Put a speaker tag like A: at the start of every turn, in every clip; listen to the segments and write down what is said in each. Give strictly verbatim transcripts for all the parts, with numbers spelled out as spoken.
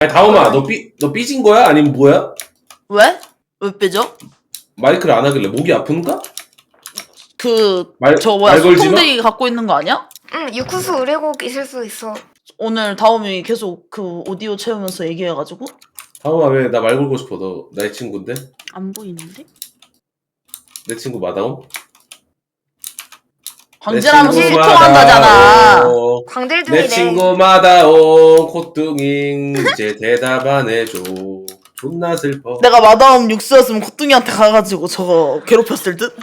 A: 아니 다음아 너 삐 너 삐진 거야? 아니면 뭐야?
B: 왜? 왜 빼죠?
A: 마이크를 안 하길래 목이 아픈가?
B: 그,
A: 말-
B: 저 뭐야,
A: 말 걸지 마?
B: 소통대기 갖고 있는 거 아니야?
C: 응, 유쿠스 의뢰곡 있을 수 있어.
B: 오늘 다음이 계속 그 오디오 채우면서 얘기해가지고.
A: 다음아 왜 나 말 걸고 싶어? 너 나의 친구인데?
B: 안 보이는데?
A: 내 친구 마다옴?
B: 광질하면서
A: 내 친구
B: 소통한다잖아.
A: 마다옴.
C: 광질
A: 내
C: 중이래.
A: 친구 마다옴 코뚱잉 이제 대답 안 해줘. 존나 슬퍼.
B: 내가 마다움 육수였으면 코뚱이한테 가가지고 저거 괴롭혔을 듯?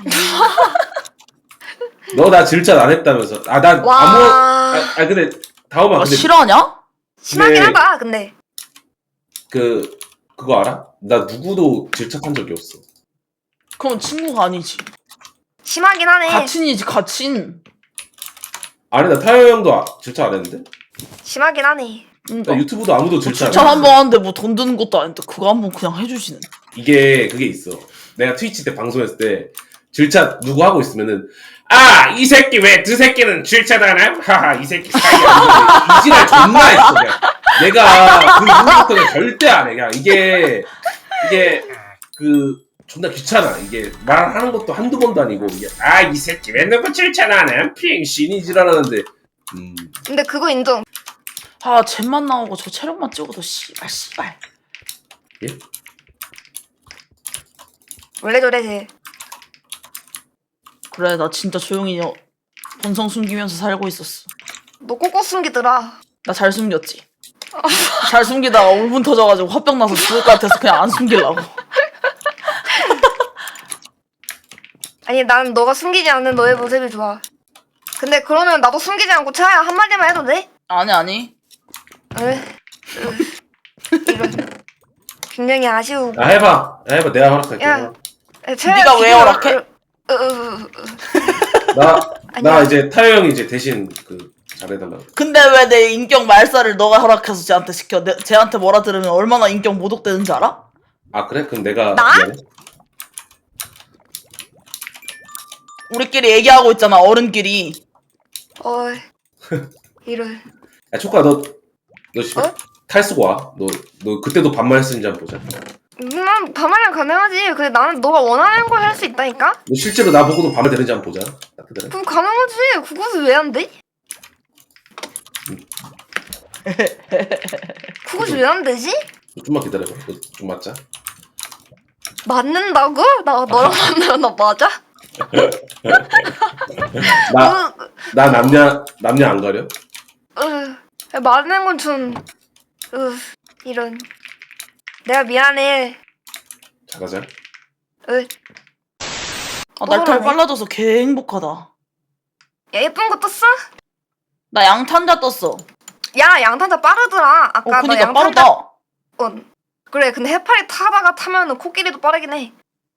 A: 너 나 질차 안 했다면서? 아 난
C: 와.
A: 아무 아, 아 근데 다음아
B: 아,
A: 근데
B: 싫어하냐?
C: 심하긴
A: 네.
C: 하다, 근데.
A: 그 그거 알아? 나 누구도 질착한 적이 없어.
B: 그럼 친구가 아니지.
C: 심하긴 하네.
B: 가친이지, 가친.
A: 아니 나 타요 형도 아, 질착 안 했는데?
C: 심하긴 하네.
B: 그러니까.
A: 나 유튜브도 아무도 질착 안
B: 추천
A: 했어.
B: 한 번 하는데 뭐 돈 드는 것도 아닌데 그거 한 번 그냥 해주시는.
A: 이게 그게 있어. 내가 트위치 때 방송했을 때 질차 누구 하고 있으면은 아 이 새끼 왜 두 새끼는 질차도 안 함? 하하 이 새끼 사이야. 이지랄 존나 했어 그냥. 내가 그 이후부터는 절대 안 해. 그냥 이게 이게 그 존나 귀찮아. 이게 말하는 것도 한두 번도 아니고 이게 아 이 새끼 왜 누구 질차도 안 함? 핑신이 지랄하는데 음
C: 근데 그거 인정.
B: 아, 잼만 나오고 저 체력만 찍어도 씨발, 씨발.
A: 예?
C: 원래 저래, 쟤.
B: 그래, 나 진짜 조용히 여- 본성 숨기면서 살고 있었어.
C: 너 꼭꼭 숨기더라.
B: 나 잘 숨겼지. 잘 숨기다가 울분 터져가지고 화병 나서 죽을 것 같아서 그냥 안 숨기려고.
C: 아니, 난 너가 숨기지 않는 너의 모습이 좋아. 근데 그러면 나도 숨기지 않고 차야 한마디만 해도 돼?
B: 아니, 아니.
C: 으, 으, 이런. 굉장히 아쉬우고.
A: 아 해봐. 아, 해봐. 내가 허락할게.
C: 야. 차야
B: 네가 왜
C: 기분-
B: 허락해?
C: 으, 으, 으, 으.
A: 나 나
C: 아니야.
A: 이제 타요 형이 이제 대신 그 잘해달라고.
B: 근데 왜 내 인격 말살을 너가 허락해서 쟤한테 시켜? 내, 쟤한테 뭐라 들으면 얼마나 인격 모독되는지 알아?
A: 아 그래? 그럼 내가
C: 나?
A: 미안해.
B: 우리끼리 얘기하고 있잖아, 어른끼리.
C: 어이. 이런.
A: 야 초코야 너 너 씨발
C: 어?
A: 탈 쓰고 와. 너 너 그때도 반말했는지 한번 보자.
C: 난 반말은 가능하지. 근데 나는 너가 원하는 걸 할 수 있다니까?
A: 너 실제로 나 보고도 반말 되는지 한번 보자. 따뜻해.
C: 그럼 가능하지. 그것은 왜 안 돼? 그것이 왜 안 되지?
A: 너 좀만 기다려봐. 너 좀 맞자.
C: 맞는다고? 나 너랑 만나면 나 맞아?
A: 나 나 남녀 남녀 안 가려?
C: 으, 맞는 건 좀, 으, 이런. 내가 미안해.
A: 잘하자.
C: 으,
B: 아, 날탈
C: 그러네.
B: 빨라져서 개 행복하다.
C: 야, 예쁜 거 떴어?
B: 나 양탄자 떴어.
C: 야, 양탄자 빠르더라. 아까
B: 어,
C: 너
B: 그니까
C: 양탄자.
B: 빠르다.
C: 어, 그래, 근데 해파리 타다가 타면은 코끼리도 빠르긴 해.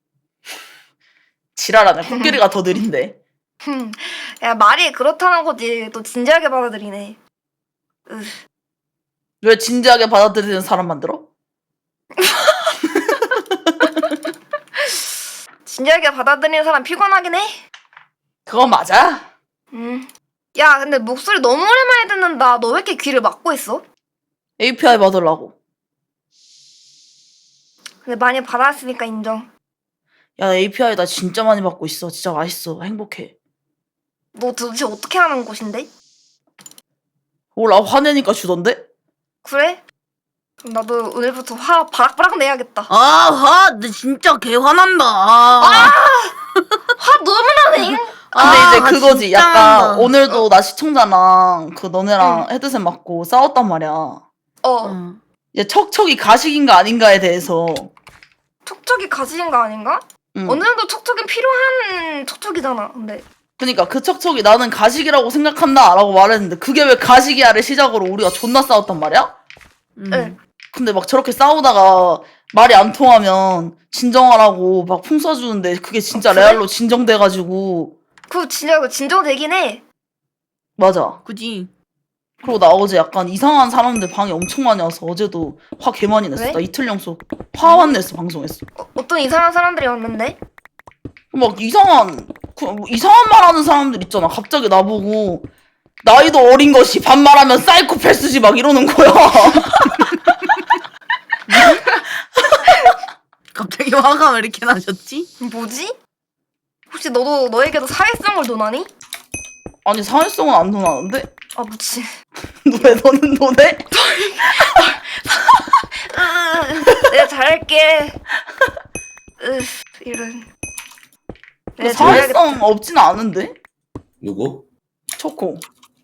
B: 지랄하네. 코끼리가 더 느린데.
C: 흠, 야, 말이 그렇다는 거지. 또 진지하게 받아들이네. 으,
B: 왜 진지하게 받아들이는 사람 만들어?
C: 진지하게 받아들이는 사람 피곤하긴 해.
B: 그거 맞아?
C: 음. 야, 근데 목소리 너무 오랜만에 듣는다. 너 왜 이렇게 귀를 막고 있어?
B: 에이피아이 받으려고.
C: 근데 많이 받았으니까 인정.
B: 야, 에이피아이 나 진짜 많이 받고 있어. 진짜 맛있어. 행복해.
C: 너 도대체 어떻게 하는 곳인데?
B: 몰라, 화내니까 주던데?
C: 그래? 그럼 나도 오늘부터 화 바락바락 내야겠다.
B: 아, 화, 나 진짜 개 화난다. 아.
C: 화 너무 나네.
B: 근데
D: 아,
B: 이제 그거지.
D: 진짜
B: 약간
D: 한다.
B: 오늘도 나 시청자랑 그 너네랑 헤드셋 맞고 싸웠단 말이야.
C: 어,
D: 응.
B: 이제 척척이 가식인가 아닌가에 대해서.
C: 촉촉이 가지인 거 아닌가?
B: 응.
C: 어느 정도 촉촉은 필요한 촉촉이잖아. 근데
B: 그니까 그 척척이 나는 가식이라고 생각한다 라고 말했는데 그게 왜 가식이야를 시작으로 우리가 존나 싸웠단 말이야?
D: 응.
C: 응.
B: 근데 막 저렇게 싸우다가 말이 안 통하면 진정하라고 막 풍 쏴주는데 그게 진짜
C: 어, 그래?
B: 레알로 진정돼가지고.
C: 그거 진짜 그거 진정되긴 해.
B: 맞아.
D: 그지.
B: 그리고 나 어제 약간 이상한 사람들 방에 엄청 많이 와서 어제도 화 개 많이 냈어.
C: 왜?
B: 나 이틀 연속 화만 냈어, 방송에서.
C: 어, 어떤 이상한 사람들이 왔는데?
B: 막 이상한 그, 뭐 이상한 말 하는 사람들 있잖아. 갑자기 나보고 나이도 어린 것이 반말하면 사이코패스지 막 이러는 거야.
D: 화가 왜 이렇게 나셨지?
C: 뭐지? 혹시 너도 너에게도 사회성을 논하니?
B: 아니 사회성은 안 논하는데?
C: 아 무치.
B: 왜 너는 논해?
C: 내가 잘할게. 으, 이런. 내가 잘하겠다.
B: 사회성 없진 않은데?
A: 누구?
B: 초코.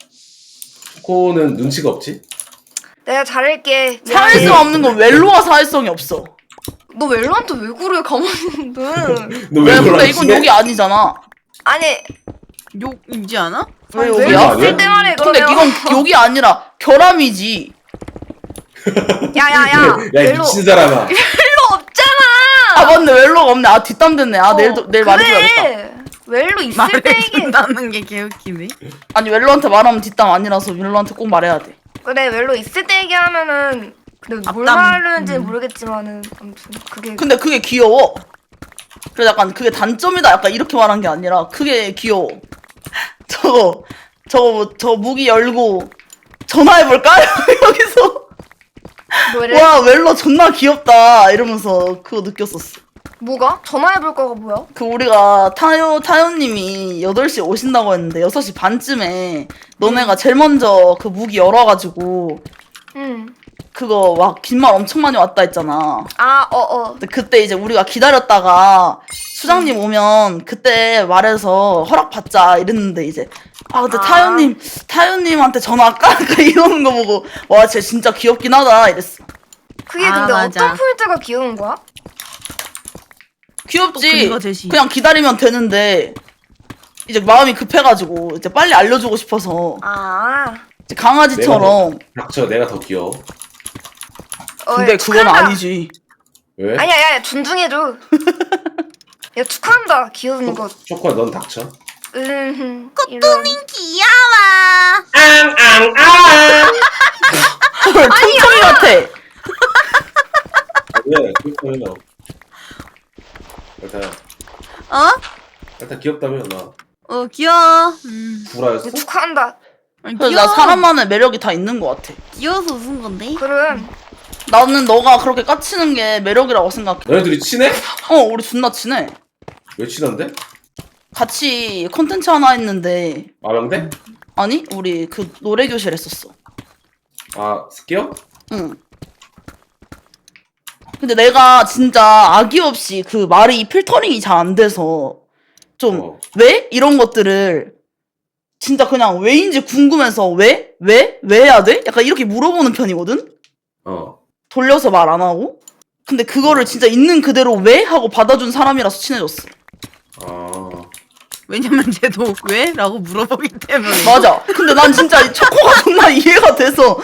A: 코는 눈치가 없지?
C: 내가 잘할게.
B: 사회성 없는 건 웰로가 사회성이 없어.
C: 너 웰로한테 왜 그래 가만히 있는데.
A: 너왜
B: 왜
A: 그러
B: 근데 이건 욕이 아니잖아.
C: 아니
D: 욕이지 않아?
B: 왜
C: 웰로
B: 욕이야?
A: 아니야?
C: 있을 때 말해
B: 근데
C: 그러면.
B: 이건 욕이 아니라 결함이지.
C: 야야야.
A: 야, 이
C: 웰로
A: 미친 사람아.
C: 웰로 없잖아.
B: 아 맞네 웰로가 없네. 아 뒷담 됐네. 아 내일 내일 말해줘야겠다.
C: 그래. 웰로 있을 때 얘기.
D: 말해준다는 게 개웃기네.
B: 아니 웰로한테 말하면 뒷담 아니라서 웰로한테 꼭 말해야 돼.
C: 그래 웰로 있을 때 얘기하면은 근데 뭘
D: 앞담.
C: 말하는지
D: 음.
C: 모르겠지만은 아무튼 그게
B: 근데 그게 귀여워. 그래서 약간 그게 단점이다. 약간 이렇게 말한 게 아니라 그게 귀여워. 저거 저거 뭐, 저 무기 열고 전화해볼까? 여기서
C: 뭐래?
B: 와 웰로 존나 귀엽다 이러면서 그거 느꼈었어.
C: 뭐가? 전화해볼 거가 뭐야?
B: 그 우리가 타요 타요님이 여덟 시에 오신다고 했는데 여섯 시 반쯤에 너네가 제일 먼저 그 무기 열어가지고
C: 응.
B: 그거 막 긴 말 엄청 많이 왔다 했잖아.
C: 아 어어.
B: 근데 그때 이제 우리가 기다렸다가 수장님 오면 그때 말해서 허락 받자 이랬는데 이제 아 근데
C: 아.
B: 타요님 타요님한테 전화할까? 약간 이러는 거 보고 와 쟤 진짜 귀엽긴 하다 이랬어.
C: 그게
D: 아,
C: 근데
D: 맞아.
C: 어떤 포인트가 귀여운 거야?
B: 귀엽지.
D: 또 근거 제시.
B: 그냥 기다리면 되는데 이제 마음이 급해가지고 이제 빨리 알려주고 싶어서
C: 아.
B: 이제 강아지처럼.
A: 닥쳐, 내가 더 귀여워.
C: 어,
B: 근데
C: 야,
B: 그건
C: 축하한다.
B: 아니지.
A: 왜?
C: 아니야, 야, 존중해줘. 야, 축하한다. 귀여운 것.
A: 초코야, 넌 닥쳐.
C: 음,
D: 꼬뚜미 귀여워.
A: 앙앙앙!
B: 헐 톰tom이 같아.
A: 왜? 귀엽다며. 일단,
D: 어?
A: 일단 귀엽다며, 나.
D: 어 귀여워. 음.
A: 구라였어?
C: 축하한다.
D: 아니,
B: 그래서
D: 귀여워.
B: 나 사람만의 매력이 다 있는 것 같아.
D: 귀여워서 웃은 건데.
C: 그럼.
B: 나는 너가 그렇게 까치는 게 매력이라고 생각해.
A: 너네들이 친해?
B: 어 우리 존나 친해.
A: 왜 친한데?
B: 같이 콘텐츠 하나 했는데
A: 아명대?
B: 아니 우리 그 노래 교실 했었어.
A: 아, 스키어?
B: 응. 근데 내가 진짜 아기 없이 그 말이 필터링이 잘 안 돼서 좀
A: 어.
B: 왜? 이런 것들을 진짜 그냥 왜인지 궁금해서 왜? 왜? 왜 해야 돼? 약간 이렇게 물어보는 편이거든?
A: 어.
B: 돌려서 말 안 하고? 근데 그거를 진짜 있는 그대로 왜? 하고 받아준 사람이라서 친해졌어.
A: 아.
D: 왜냐면 쟤도 왜? 라고 물어보기 때문에.
B: 맞아. 근데 난 진짜 이 초코가 정말 이해가 돼서.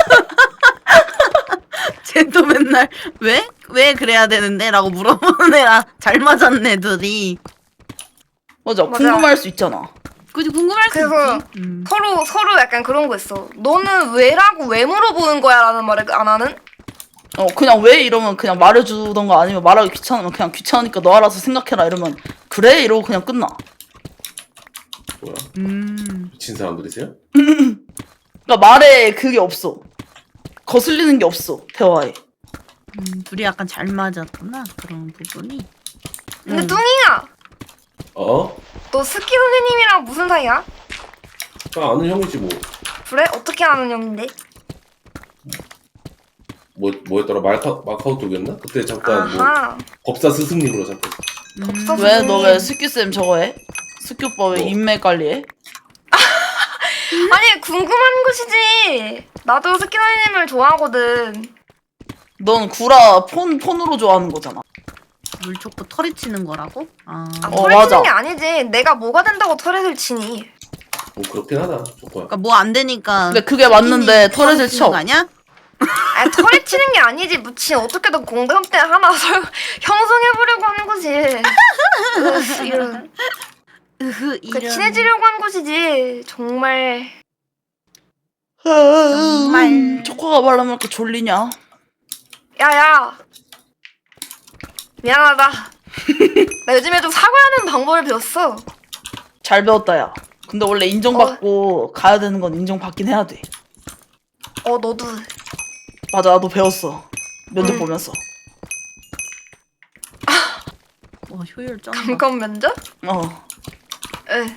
D: 쟤도 맨날 왜? 왜 그래야 되는데? 라고 물어보는 애라 잘 맞았네 둘이.
B: 맞아.
C: 맞아.
B: 궁금할 수 있잖아.
D: 그지 궁금할 수
C: 그래서
D: 있지. 음.
C: 서로, 서로 약간 그런 거 있어. 너는 왜라고 왜 물어보는 거야? 라는 말을 안 하는?
B: 어, 그냥 왜 이러면 그냥 말해주던가 아니면 말하기 귀찮으면 그냥 귀찮으니까 너 알아서 생각해라 이러면 그래? 이러고 그냥 끝나.
A: 뭐야?
D: 음.
A: 미친 사람들이세요?
B: 그러니까 말에 그게 없어. 거슬리는 게 없어. 대화에.
D: 음, 둘이 약간 잘 맞았구나 그런 부분이.
C: 근데
B: 음.
C: 뚱이야.
A: 어?
C: 너 스키 선생님이랑 무슨 사이야?
A: 나 아는 형이지, 뭐.
C: 그래? 어떻게 아는 형인데?
A: 뭐, 뭐였더라? 마카, 마카오톡이었나? 그때 잠깐 뭐,
C: 아하.
A: 법사 스승님으로 잠깐.
C: 법사
D: 음.
B: 왜 너 왜 스키쌤 저거 해? 스키 오빠 왜
A: 뭐?
B: 인맥 관리해?
C: 아니, 궁금한 것이지. 나도 스키 선생님을 좋아하거든.
B: 넌 구라 폰, 폰으로 좋아하는 거잖아.
D: 물초코 털이 치는 거라고? 아.
C: 아,
B: 어,
C: 털을
B: 맞아.
C: 치는 게 아니지. 내가 뭐가 된다고 털을 치니.
A: 뭐, 그렇긴 하다, 초코야.
D: 그러니까 뭐 안 되니까.
B: 근데 그게 맞는데
D: 털이
B: 털을
D: 치는
B: 쳐.
D: 거 아니야?
C: 아, 털이 치는 게 아니지. 무치 어떻게든 공감대 하나 설, 형성해보려고 하는 거지. 으, 이런.
D: 으흐
C: 그
D: 이런.
C: 친해지려고 한 것이지. 정말.
D: 정말.
B: 음, 초코가 말하면 이렇게 졸리냐?
C: 야야. 미안하다. 나 요즘에 좀 사과하는 방법을 배웠어.
B: 잘 배웠다 야. 근데 원래 인정받고 가야 되는 건 인정받긴 해야 돼.
C: 어, 너도.
B: 맞아 나도 배웠어. 면접
C: 음.
B: 보면서.
D: 와 효율 쩐다.
C: 감감 면접?
B: 어.
C: 에.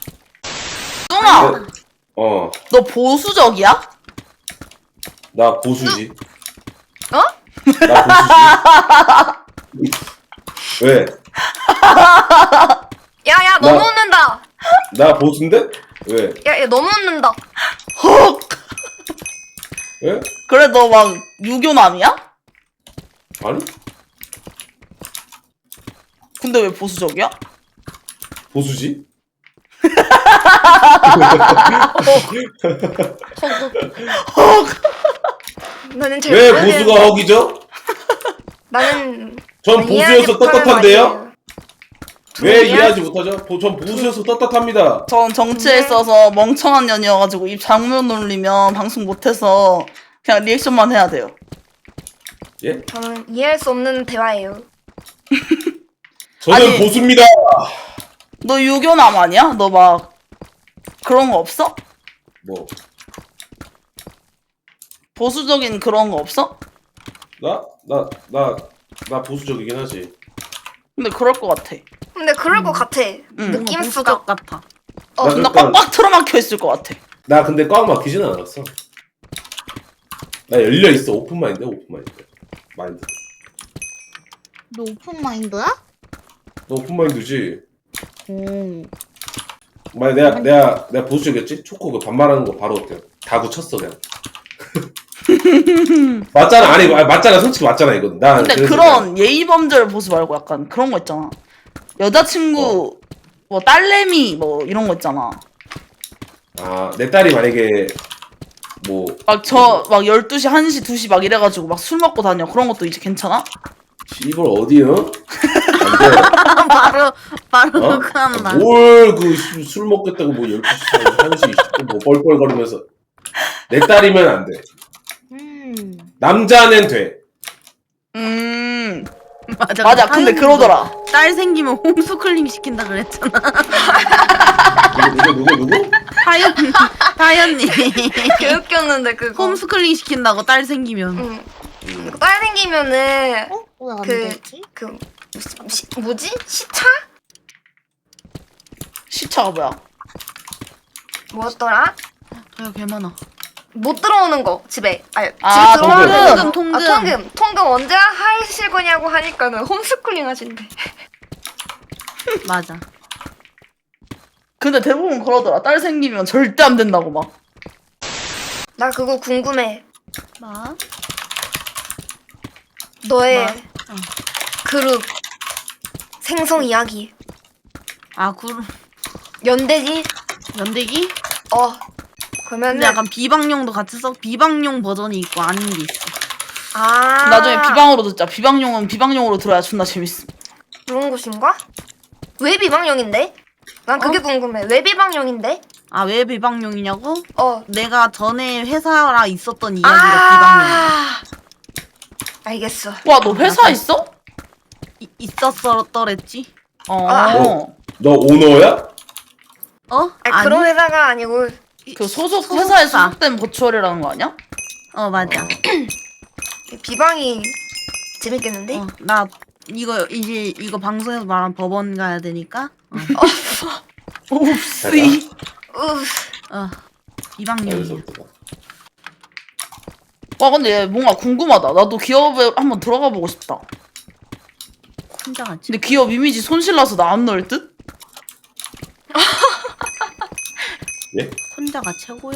B: 뚱아,
A: 어,
B: 너 보수적이야?
A: 나 보수지.
C: 어?
A: 나 보수지. 왜?
C: 야야 너무
A: 나-
C: 웃는다.
A: 나 보수인데? 왜?
C: 야야 너무 웃는다.
B: 헉.
A: 왜?
B: 그래 너 막 유교남이야?
A: 아니?
B: 근데 왜 보수적이야?
A: 보수지?
C: 나는 잘
A: 왜
C: 모르겠는데.
A: 보수가 허기죠?
C: 나는
A: 전
C: 난 이해하지
A: 보수여서
C: 못하는
A: 떳떳한데요?
C: 말이에요.
A: 왜
C: 저는
A: 이해하지 못하죠? 보- 전 보수여서 떳떳합니다.
B: 전 정치에
C: 네.
B: 있어서 멍청한 년이어가지고 입 장문 놀리면 방송 못해서 그냥 리액션만 해야 돼요.
A: 예?
C: 저는 이해할 수 없는 대화예요.
A: 저는
B: 아니-
A: 보수입니다.
B: 너 유교남 아니야? 너 막 그런 거 없어?
A: 뭐?
B: 보수적인 그런 거 없어?
A: 나? 나, 나, 나 보수적이긴 하지.
B: 근데 그럴 것 같아.
C: 근데 그럴 것 같아.
D: 뭔가
C: 느낌수가.
D: 보수적 같아.
C: 어,
A: 나
B: 존나
A: 그러니까-
B: 꽉꽉 틀어막혀 있을 것 같아.
A: 나 근데 꽉 막히진 않았어. 나 열려 있어. 오픈 마인드, 오픈 마인드. 마인드.
E: 너 오픈 마인드야?
A: 너 오픈 마인드지?
E: 오.
A: 만약 내가 내가 내가 보수적이었지? 초코 그 반말하는 거 바로 그냥 다 굳혔어 그냥. 맞잖아. 아니 아, 맞잖아. 솔직히 맞잖아 이건. 나
B: 근데
A: 그래서
B: 그런 예의 범절 보수 말고 약간 그런 거 있잖아. 여자친구 뭐 딸내미 뭐 이런 거 있잖아.
A: 아, 내 딸이 만약에 뭐
B: 막 저 막 열두 시, 한 시, 두 시 막 이래가지고 막 술 먹고 다녀. 그런 것도 이제 괜찮아?
A: 이걸 어디요? 안 돼.
D: 바로 바로
A: 어?
D: 그한다.
A: 뭘그 술 먹겠다고 뭐 열두 시, 한 시, 이십 분 뭐 뻘뻘거리면서 내 딸이면 안 돼.
E: 음.
A: 남자는 돼.
B: 음
D: 맞아.
B: 맞아. 근데
D: 타연이도
B: 그러더라.
D: 딸 생기면 홈스쿨링 시킨다 그랬잖아.
A: 누구 누구 누구 누구?
D: 타연 타연님
C: 개웃겼는데 그거.
D: 홈스쿨링 시킨다고 딸 생기면.
C: 응.
A: 음.
C: 딸 생기면은
E: 어? 왜 안
C: 그-
E: 되지?
C: 그 시, 뭐지? 시차?
B: 시차가 뭐야?
C: 뭐였더라?
D: 아유 개 많아.
C: 못 들어오는 거 집에. 아니,
B: 아,
C: 집에 들어오는
B: 통금,
C: 거.
D: 통금.
C: 아, 통금. 통금 언제 하실 거냐고 하니까는 홈스쿨링 하신대.
D: 맞아.
B: 근데 대부분 그러더라. 딸 생기면 절대 안 된다고 막.
C: 나 그거 궁금해.
D: 뭐?
C: 너의
D: 뭐? 어.
C: 그룹 생성 이야기.
D: 아 구
C: 연대지?
D: 연대기?
C: 어. 그러면은
D: 근데 약간 비방용도 같이 써. 비방용 버전이 있고 아닌 게 있어.
C: 아
B: 나중에 비방으로 듣자. 비방용은 비방용으로 들어야 존나 재밌음.
C: 그런 곳인가? 왜 비방용인데? 난 그게
D: 어?
C: 궁금해. 왜 비방용인데?
D: 아 왜 비방용이냐고?
C: 어.
D: 내가 전에 회사라 있었던 이야기가 비방용이야.
C: 아. 알겠어.
B: 와 너 회사 있어?
D: 이- 있었더랬지?
B: 어.
C: 아.
A: 뭐? 너 오너야?
D: 어?
C: 아니, 그런 회사가 아니고
B: 그 소속
D: 소속사.
B: 회사에 소속된 버추얼이라는 거 아니야?
D: 어 맞아.
C: 비방이 재밌겠는데?
D: 어, 나 이거 이제 이거 방송에서 말하면 법원 가야 되니까. 어,
B: 옵씨.
C: 우.
D: 어. 비방용이야.
A: 여기서부터.
B: 와 근데 뭔가 궁금하다. 나도 기업에 한번 들어가 보고 싶다.
D: 혼자 같이.
B: 근데 기업 이미지 손실나서 나 안 넣을 듯?
A: 예?
D: 혼자가 최고요.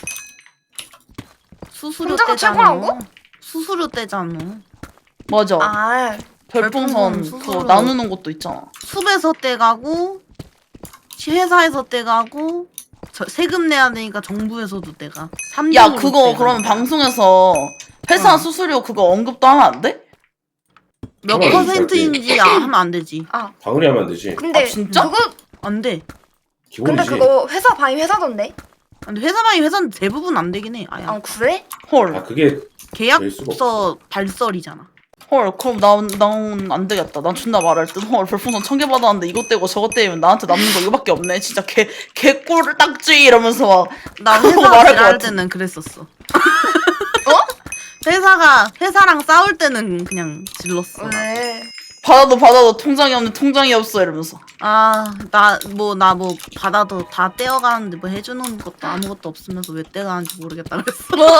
D: 수수료
C: 혼자가
D: 떼잖아.
C: 최고라고?
D: 수수료 떼잖아.
B: 맞아.
C: 아.
B: 별풍선
D: 별풍선
B: 그거
D: 스스로.
B: 나누는 것도 있잖아.
D: 숲에서 떼가고 회사에서 떼가고 저, 세금 내야 되니까 정부에서도 떼가. 삼
B: 야
D: 등으로
B: 그거
D: 떼가.
B: 그러면 방송에서 회사
D: 어.
B: 수수료 그거 언급도 하면 안 돼?
D: 몇
A: 그건
D: 퍼센트인지 아, 하면 안 되지.
C: 아.
A: 방울이 하면 안 되지.
C: 근데
B: 아, 진짜?
C: 그거
D: 안 돼.
A: 기본이지.
C: 근데 그거 회사 바이 회사던데?
D: 근데 회사만이 회사는 대부분 안 되긴 해. 아야.
C: 아 그래?
B: 헐.
A: 아 그게 될 수가
D: 계약서 발설이잖아.
B: 헐 그럼 난난안 되겠다. 난 존나 말할 듯. 헐 별풍선 천 개 받았는데 이것 떼고 저것 떼면 나한테 남는 거 이거밖에 없네. 진짜 개 개꿀 딱지 이러면서 막.
D: 나
B: 그거
D: 회사
B: 말할 것
D: 일할
B: 같아.
D: 때는 그랬었어. 어? 회사가 회사랑 싸울 때는 그냥 질렀어.
C: 왜?
B: 받아도 받아도 통장이 없는 통장이 없어 이러면서.
D: 아, 나 뭐 나 뭐 받아도 다 떼어가는데 뭐 해주는 것도 아무것도 없으면서 왜 떼어가는지 모르겠다 그랬어.
C: 뭐?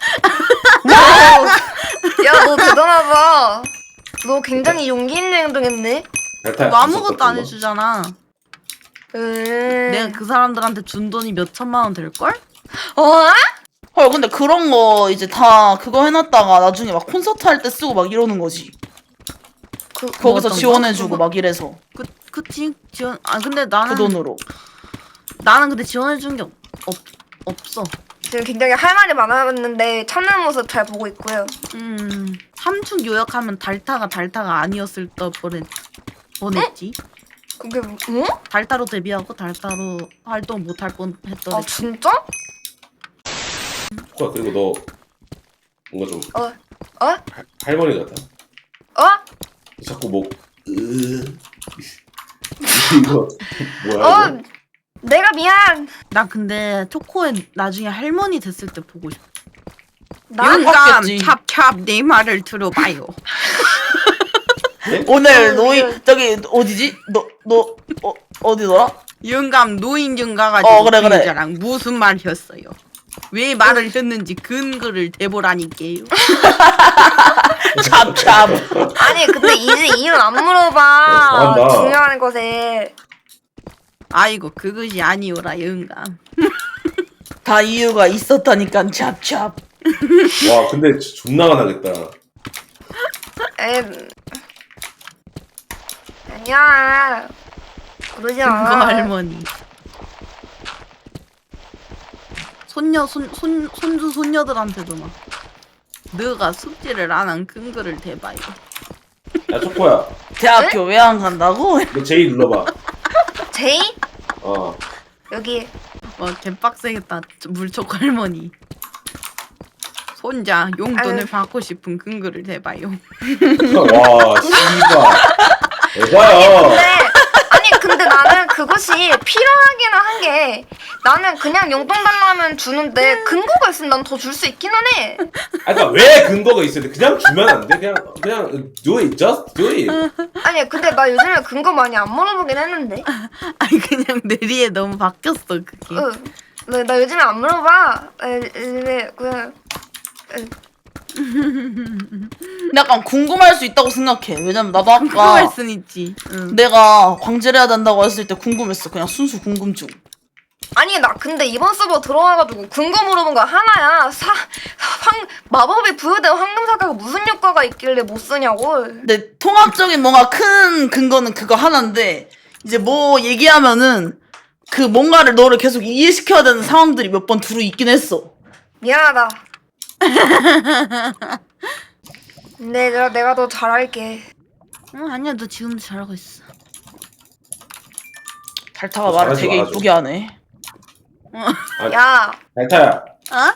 C: 야, 너 대단하다. 너 굉장히 용기 있는 행동했네.
A: 달타야,
D: 뭐 아무것도 안
A: 있었던 거.
D: 해주잖아.
C: 음.
D: 내가 그 사람들한테 준 돈이 몇 천만 원 될걸?
C: 어?
B: 헐 근데 그런 거 이제 다 그거 해놨다가 나중에 막 콘서트 할 때 쓰고 막 이러는 거지.
C: 그,
B: 거기서
D: 어떤
B: 지원해주고
D: 거?
B: 막 이래서
D: 그 그치 지원. 아 근데 나는
B: 그 돈으로.
D: 나는 근데 지원해준 게 없, 없 없어.
C: 지금 굉장히 할 말이 많았는데 참는 모습 잘 보고 있고요.
D: 음 삼축 요약하면 달타가 달타가 아니었을 때 뻔했 뻔했지.
C: 그게 뭐?
D: 달타로 데뷔하고 달타로 활동 못할 뻔했더래.
C: 아 진짜?
A: 코야, 그리고 너 뭔가 좀
C: 어? 어?
A: 할- 할머니 같아.
C: 어?
A: 자꾸 뭐 으... 이거 뭐야
C: 어?
A: 이거?
C: 내가 미안.
D: 나 근데 초코에 나중에 할머니 됐을 때 보고 싶어.
C: 나
B: 이건 봤겠지.
D: 찹찹 내 말을 들어봐요.
B: 오늘
C: 어,
B: 노인
C: 그-
B: 저기 어디지? 너 너 어, 어디더라?
D: 영감 노인정 가가지고
B: 어, 그래, 그래.
D: 주인자랑 무슨 말 했어요? 왜 말을 했는지 근거를 대보라니까요.
B: 찹찹.
C: 아니 근데 이제 이유 안 물어봐.
A: 잘한다.
C: 중요한 것에.
D: 아이고 그것이 아니오라 영감.
B: 다 이유가 있었다니까 찹찹.
A: 와 근데 존나 화나겠다.
C: 에 아니야. 그러지
D: 근거
C: 않아.
D: 할머니. 손녀 손, 손 손주 손녀들한테도 막 너가 숙제를 안 한 근거를 대봐요.
A: 야 초코야,
B: 대학교 왜 안 간다고?
A: 너 제이 눌러봐.
C: 제이?
A: 어.
C: 여기.
D: 와 개빡세겠다. 물촉 할머니. 손자 용돈을
C: 아유.
D: 받고 싶은 근거를 대봐요.
A: 와 씨발. 에바야.
C: 근데 아니 근데 나는 그것이 필요하기는 한 게 나는 그냥 용돈 달라면 주는데 근거가 있으면 난 더 줄 수 있기는 해.
A: 아 그러니까 왜 근거가 있어야 돼? 그냥 주면 안 돼? 그냥 그냥 do it, just do it.
C: 아니 근데 나 요즘에 근거 많이 안 물어보긴 했는데.
D: 아니 그냥 뇌리에 너무 바뀌었어 그게.
C: 응. 나, 나 요즘에 안 물어봐. 에, 요즘에 그냥
B: 약간 궁금할 수 있다고 생각해. 왜냐면 나도
D: 궁금할
B: 아까
D: 순 있지. 응.
B: 내가 광질을 해야 된다고 했을 때 궁금했어. 그냥 순수 궁금증.
C: 아니 나 근데 이번 서버 들어와가지고 근거 물어본 거 하나야. 사 황 마법에 부여된 황금사과가 무슨 효과가 있길래 못 쓰냐고.
B: 근데 통합적인 뭔가 큰 근거는 그거 하나인데 이제 뭐 얘기하면은 그 뭔가를 너를 계속 이해시켜야 되는 상황들이 몇 번 두루 있긴 했어.
C: 미안하다. 근데 내가 내가 더 잘할게.
D: 응 아니야 너 지금도 잘하고 있어.
B: 달타가
A: 어,
B: 말을
A: 잘하지
B: 되게
A: 말아줘.
B: 이쁘게 하네.
C: 야,
A: 달타야,
D: 어?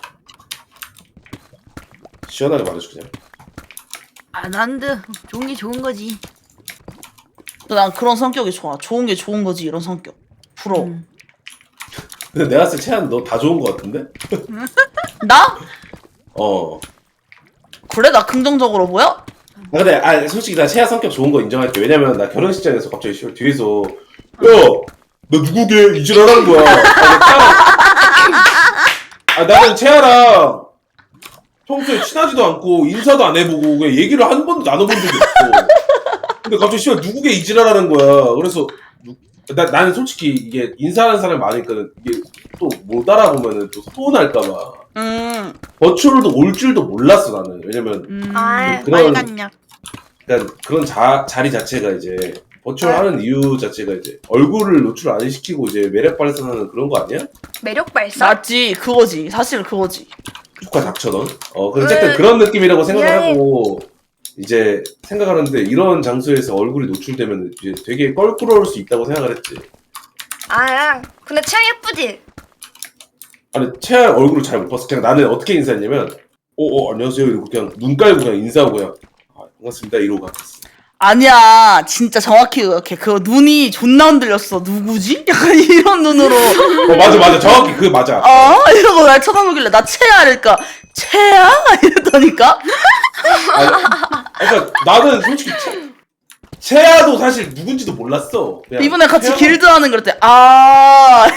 A: 시원하게 말해줘 그냥.
D: 아 난데 좋은 게 좋은 거지.
B: 난 그런 성격이 좋아. 좋은 게 좋은 거지 이런 성격. 부러워.
D: 음.
A: 근데 내가 봤을 때 채한 너 다 좋은 거 같은데?
B: 나?
A: 어.
B: 그래? 나 긍정적으로 보여?
A: 아, 근데 아 솔직히 나 채아 성격 좋은 거 인정할게. 왜냐면 나 결혼식장에서 갑자기 씨발 뒤에서 야! 너 누구게? 이질하라는 거야. 아, 채아랑... 아 나는 채아랑 평소에 친하지도 않고 인사도 안 해보고 그냥 얘기를 한 번도 나눠본 적이 없어. 근데 갑자기 씨발 누구게 이질하라는 거야. 그래서 누... 나, 나는 솔직히 이게 인사하는 사람이 많으니까 이게 또 못 알아보면은 또 서운할까봐
B: 음.
A: 버추얼도 올 줄도 몰랐어 나는. 왜냐면
D: 음.
C: 아,
A: 그런-
D: 빨간 약.
A: 그러니까 그런 자, 자리 자체가 이제 버추얼
C: 아.
A: 하는 이유 자체가 이제 얼굴을 노출 안 시키고 이제 매력 발산하는 그런 거 아니야?
C: 매력 발산.
B: 맞지. 그거지. 사실 그거지.
A: 조카 닥쳐 넌. 어 근데 어쨌든
C: 으,
A: 그런 느낌이라고 생각을
C: 미안해.
A: 하고 이제 생각하는데 이런 장소에서 얼굴이 노출되면 이제 되게 껄끄러울 수 있다고 생각을 했지.
C: 아, 근데 채아 예쁘지?
A: 아니 채아 얼굴을 잘 못 봤어. 그냥 나는 어떻게 인사했냐면 어어 안녕하세요 이러고 그냥 눈 깔고 그냥 인사하고 그냥 아, 반갑습니다 이러고 갔어.
B: 아니야. 진짜 정확히 그렇게. 그 눈이 존나 흔들렸어. 누구지? 약간 이런 눈으로.
A: 어 맞아 맞아 정확히 그게 맞아.
B: 어? 이러고 날 쳐다보길래 나 채야 이러니까 채야? 이랬더니까
A: 아니, 그러니까 나는 솔직히 채, 채아도 사실 누군지도 몰랐어. 그냥
B: 이번에 같이
A: 채아가-
B: 길드 하는 그럴 때, 아.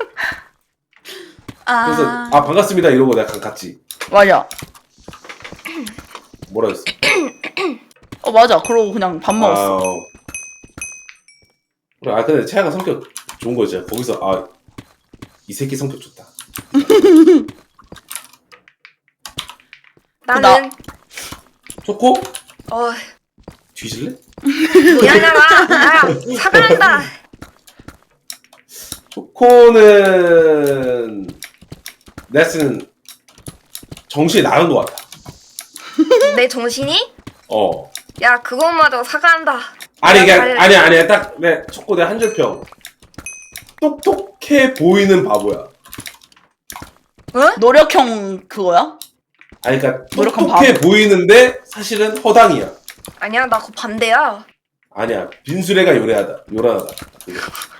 D: 아.
A: 그래서 아 반갑습니다 이러고 내가 갔지.
B: 맞아.
A: 뭐라 했어?
B: 어, 맞아. 그러고 그냥 밥 먹었어.
A: 아, 어. 그래, 아 근데 채아가 성격 좋은 거지. 거기서 아 이 새끼 성격 좋다.
C: 나는
A: 초코?
C: 어
A: 뒤질래?
C: 미안하다. 나 사과한다.
A: 초코는 내가 쓰는 정신이 나간 것 같아.
C: 내 정신이?
A: 어.
C: 야 그것마저 사과한다.
A: 아니 이게
C: 잘-
A: 아니 아니 딱 내 초코 내 한 줄 평. 똑똑해 보이는 바보야.
B: 노력형 그거야?
A: 아니 그러니까
B: 노력한
A: 똑똑해 보이는데 사실은 허당이야.
C: 아니야 나 그거 반대야.
A: 아니야 빈수레가 요래하다 요란하다. 그게.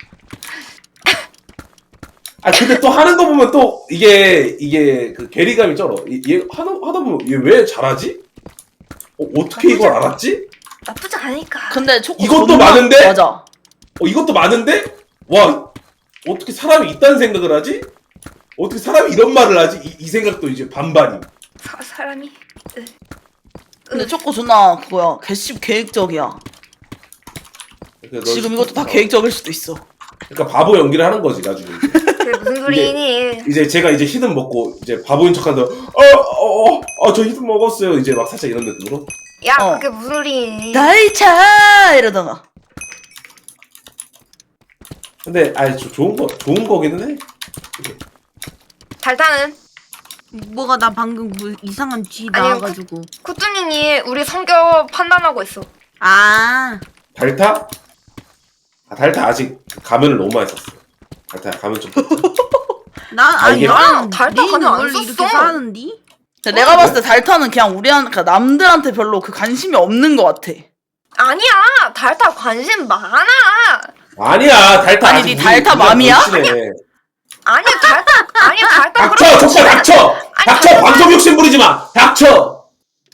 A: 아 근데 또 하는 거 보면 또 이게 이게 그 괴리감이 쩔어. 이- 얘 하다 하다 보면 얘 왜 잘하지? 어, 어떻게 이걸 알았지?
C: 나쁘지 않으니까.
B: 근데 초코
A: 이것도
B: 존나-
A: 많은데?
B: 맞아.
A: 어 이것도 많은데 와 어떻게 사람이 이딴 생각을 하지? 어떻게 사람이 이런 말을 하지? 이, 이 생각도 이제 반반임.
C: 사, 사람이 으.
B: 근데 초코 존나 그거야. 개씹 계획적이야.
A: 그러니까 너
B: 지금 이것도 다
A: 어,
B: 계획적일 수도 있어.
A: 그러니까 바보 연기를 하는 거지 나중에. 이제.
C: 그게 무슨 소리니?
A: 이제 제가 이제 히든 먹고 이제 바보인 척한다. 어어어저 히든 먹었어요. 이제 막 살짝 이런 느낌으로.
C: 야
B: 어.
C: 그게 무슨 소리니?
B: 나의 차 이러다가.
A: 근데 아니 저 좋은 거 좋은 거기는 해.
C: 달타는
D: 뭐가 나 방금 뭐 이상한 쥐
C: 아니,
D: 나와가지고.
C: 쿠뚜님이 우리 성격 판단하고 있어.
D: 아.
A: 달타? 아 달타 아직 가면을 너무 많이 썼어. 달타 가면 좀.
D: 난
A: 아,
D: 아니
A: 이게-
D: 나는
C: 달다
D: 니는
C: 가면 안
D: 원래
C: 썼어.
D: 이렇게 사는디?
B: 근데 내가 봤을 때 달타는 그냥 우리한 그러니까 남들한테 별로 그 관심이 없는 것 같아.
C: 아니야 달타 관심 많아.
A: 아니야 달타
B: 아니,
A: 아직
B: 니
A: 우리-
B: 달타
A: 우리랑
B: 맘이야?
A: 걸치네.
C: 아니 달타 아니 달타
A: 닥쳐
C: 그렇게
A: 족사 닥쳐
C: 아니,
A: 닥쳐
C: 달타-
A: 방송 욕심 부리지 마 닥쳐.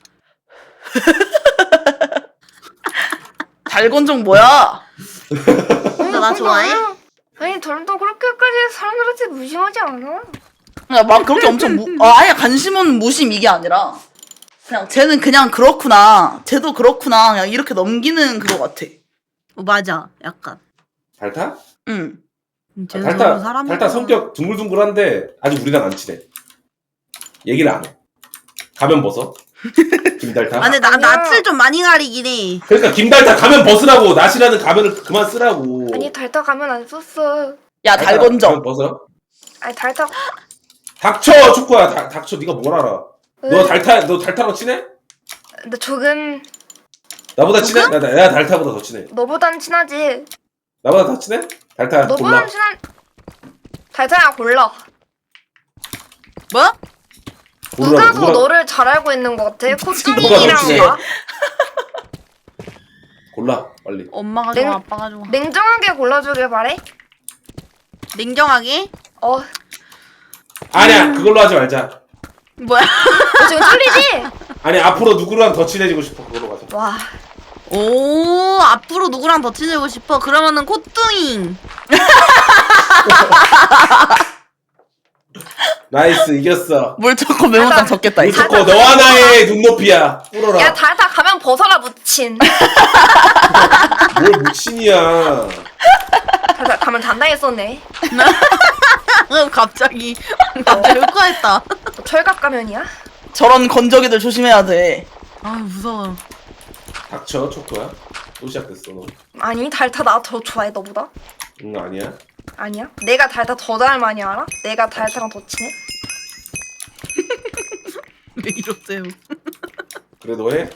B: 달건종 뭐야?
D: 너 나 좋아해?
C: 아니 덜도 그렇게까지 사람들한테 무심하지 않아.
B: 그냥 막 그렇게 엄청 무, 아, 아예 관심은 무심 이게 아니라 그냥 쟤는 그냥 그렇구나. 쟤도 그렇구나. 그냥 이렇게 넘기는 그거 같아.
D: 어, 맞아. 약간.
A: 달타?
B: 응.
D: 음,
A: 아,
D: 쟤는
A: 달타
D: 저런 사람이구나.
A: 달타 성격 둥글둥글한데 아직 우리랑 안 친해. 얘기를 안 해. 가면 벗어. 김달타.
D: 아, 근데 나
C: 아니야.
D: 낯을 좀 많이 가리긴 해.
A: 그러니까 김달타 가면 벗으라고 낫이라는 가면을 그만 쓰라고.
C: 아니 달타 가면 안 썼어.
B: 야,
A: 달타
B: 달건종.
A: 가면 벗어.
C: 아니 달타
A: 닥쳐 축구야. 다, 닥쳐 네가 뭘 알아. 너 달타 너 달타랑 친해?
C: 근데 조금
A: 나보다 친해? 나, 나, 내가 달타보다 더 친해.
C: 너보단 친하지.
A: 나보다 더 친해? 달타 골라.
C: 너보단 친한 달타야 골라.
D: 뭐?
C: 누가 더
A: 누구랑-
C: 너를 잘 알고 있는 것 같아?
A: 누가 더 친해?
C: 코뚱이랑가?
A: 골라 빨리.
D: 엄마가
C: 냉-
D: 좋아, 아빠가 좋아.
C: 냉정하게 골라주길 바래.
D: 냉정하게?
C: 어,
A: 아니야 그걸로 하지 말자.
D: 뭐야?
C: 너 지금 틀리지?
A: 아니 앞으로 누구랑 더 친해지고 싶어 그걸로 가자.
C: 와,
D: 오, 앞으로 누구랑 더 친해지고 싶어? 그러면은 코뚱잉.
A: 나이스 이겼어.
B: 물 좋고 매운탕 적겠다, 이제.
A: 무조건 너와 나의 눈높이야. 뿔어라.
C: 야 달타 가면 벗어라 무친.
A: 뭘 무친이야.
C: 달타 가면 단단했었네.
D: 어, 갑자기. 갑자기 흑화했다.
C: 너 철갑 가면이야?
B: 저런 건조기들 조심해야 돼.
D: 아, 무서워.
A: 닥쳐 초코야. 또 시작됐어 너.
C: 아니 달타 나 더 좋아해 너보다.
A: 응 아니야.
C: 아니야? 내가 달타 더 잘 많이 알아? 내가 달타랑 더 친해?
D: 왜 이러세요?
A: 그래 너 해.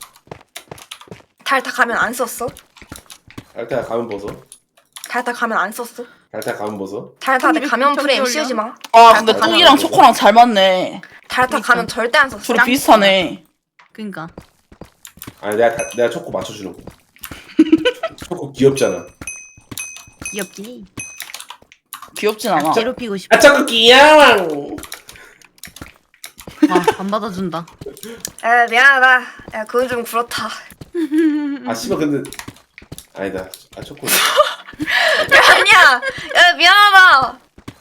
C: 달타 가면 안 썼어?
A: 달타 가면 벗어.
C: 달타 가면 안 썼어?
A: 달타 가면 벗어.
C: 달타 내 가면 프레임
D: 올려.
C: 씌우지 마.
B: 아, 근데
A: 달타
B: 뚱이랑
A: 가면
B: 초코랑 잘 맞네.
C: 달타
D: 그러니까.
C: 가면 절대 안 썼어.
B: 둘이 비슷하네.
D: 그니까.
A: 아니 내가 다- 내가 초코 맞춰주는 거. 초코 귀엽잖아.
D: 귀엽지?
B: 귀엽진 않아.
D: 괴롭히고 싶어.
A: 아 초코 귀여워.
D: 아, 안 받아준다.
C: 에 미안하다. 야 그건 좀 그렇다.
A: 아 씨발 근데 아니다. 아 초코.
C: 야, 아니야. 야, 미안하다.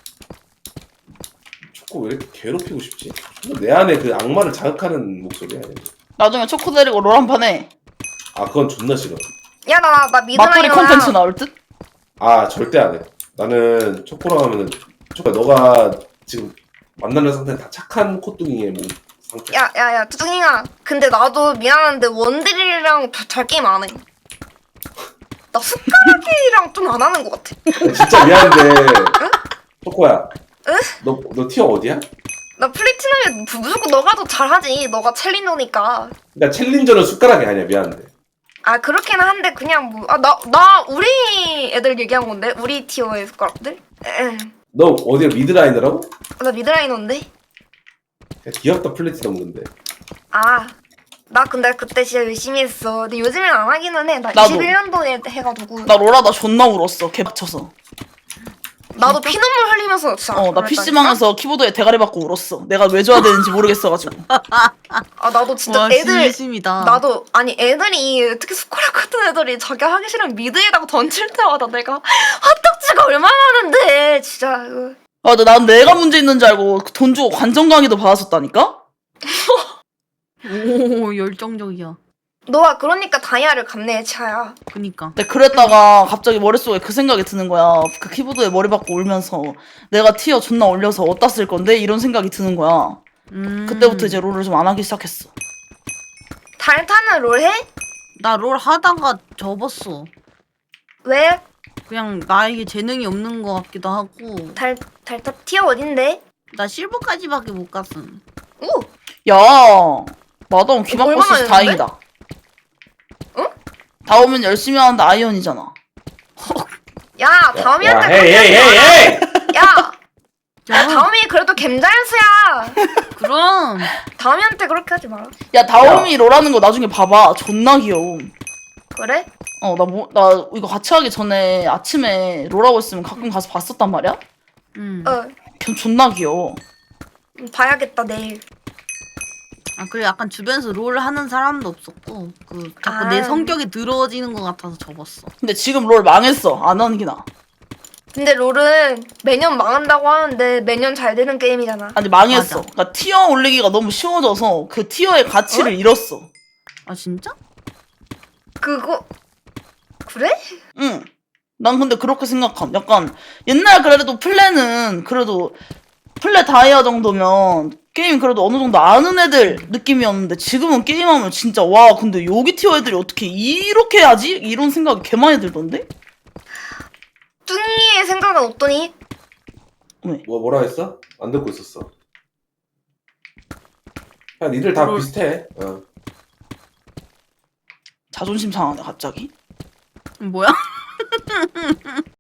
A: 초코 왜 이렇게 괴롭히고 싶지? 내 안에 그 악마를 자극하는 목소리야.
B: 나중에 초코 데리고 롤 한 판 해.
A: 아 그건 존나 싫어.
C: 야, 나, 나
B: 맞돌이
C: 미드라이너야.
B: 콘텐츠 나올 듯?
A: 아 절대 안 해. 나는 초코랑 하면은 초코 너가 지금 만나는 상태는 다 착한 코뚱이의 뭐 상태.
C: 야, 야, 야, 두둥이가. 근데 나도 미안한데 원딜이랑 다- 잘 게임 안 해. 나 숟가락이랑 좀 안 하는 것 같아.
A: 야, 진짜 미안한데 초코야.
C: 응?
A: 너 너 티어 어디야?
C: 나 플래티넘에 무- 무조건 너가 더 잘하지. 너가 챌린저니까.
A: 그러니까 챌린저는 숟가락이 아니야. 미안한데.
C: 아, 그렇긴 한데 그냥 뭐. 아, 나, 나 우리 애들 얘기한 건데. 우리 티어의 숟가락들. 에,
A: 너 어디야 미드라이너라고?
C: 나 미드라이너인데.
A: 야, 귀엽다 플래티넘 근데.
C: 아, 나 근데 그때 진짜 열심히 했어. 근데 요즘엔 안 하기는 해. 나
B: 나도.
C: 이십일 년도에 해가지고.
B: 나 롤하다 존나 울었어. 개빡쳐서.
C: 나도 피눈물 흘리면서 진짜.
B: 어, 나
C: 그랬다니까?
B: 피씨방에서 키보드에 대가리 받고 울었어. 내가 왜 줘야 되는지 모르겠어가지고.
C: 아, 나도 진짜
D: 와
C: 애들.
D: 진심이다.
C: 나도 아니 애들이 특히 스코라 같은 애들이 자기 하기 싫으면 미드에다가 던질 때마다 내가 헛떡지가 얼마나 많은데 진짜 이거.
B: 아, 근데 난 내가 문제 있는 줄 알고 돈 주고 관전 강의도 받았었다니까?
D: 오 열정적이야.
C: 너가 그러니까 다이아를 갚네 차야.
D: 그니까.
B: 근데 그랬다가 갑자기 머릿속에 그 생각이 드는 거야. 그 키보드에 머리 박고 울면서 내가 티어 존나 올려서 어디다 쓸 건데? 이런 생각이 드는 거야.
D: 음.
B: 그때부터 이제 롤을 좀 안 하기 시작했어.
C: 달타는 롤 해?
D: 나 롤 하다가 접었어.
C: 왜?
D: 그냥 나에게 재능이 없는 것 같기도 하고.
C: 달 달타 티어 어딘데?
D: 나 실버까지밖에 못 갔음.
C: 오.
B: 야, 마다운 귀 막고
C: 얼마나
B: 있어서 다행이다.
C: 응?
B: 다오면 열심히 하는데 아이언이잖아.
C: 야
A: 야,
C: 다음이한테
A: 야, 헤이 헤이 헤이 헤이.
C: 야. 야
D: 야,
C: 다음이 그래도 겜자연수야.
D: 그럼.
C: 다음이한테 그렇게 하지 마라.
B: 야, 다오미 롤하는 거 나중에 봐봐. 존나 귀여워.
C: 그래?
B: 어, 나 뭐, 나 이거 같이 하기 전에 아침에 롤하고 있으면 가끔 가서 봤었단 말이야?
D: 음.
C: 어.
B: 걔 존나 귀여워.
C: 봐야겠다 내일.
D: 아 그래 약간 주변에서 롤 하는 사람도 없었고 그 자꾸
C: 아.
D: 내 성격이 들어지는 것 같아서 접었어.
B: 근데 지금 롤 망했어. 안 하는 게 나아.
C: 근데 롤은 매년 망한다고 하는데 매년 잘 되는 게임이잖아.
B: 아니, 망했어.
D: 맞아.
B: 그러니까 티어 올리기가 너무 쉬워져서 그 티어의 가치를 잃었어.
D: 아 진짜?
C: 그거 그래?
B: 응. 난 근데 그렇게 생각함. 약간 옛날 그래도 플레는 그래도 플레 다이아 정도면 게임 그래도 어느 정도 아는 애들 느낌이었는데 지금은 게임하면 진짜 와 근데 여기 티어 애들이 어떻게 이렇게 해야지? 이런 생각이 개 많이 들던데?
C: 뚱이의 생각은 어떠니?
B: 왜?
A: 뭐 뭐라 했어? 안 듣고 있었어. 야 니들 다
D: 롤.
A: 비슷해. 어.
B: 자존심 상하네 갑자기.
D: 뭐야?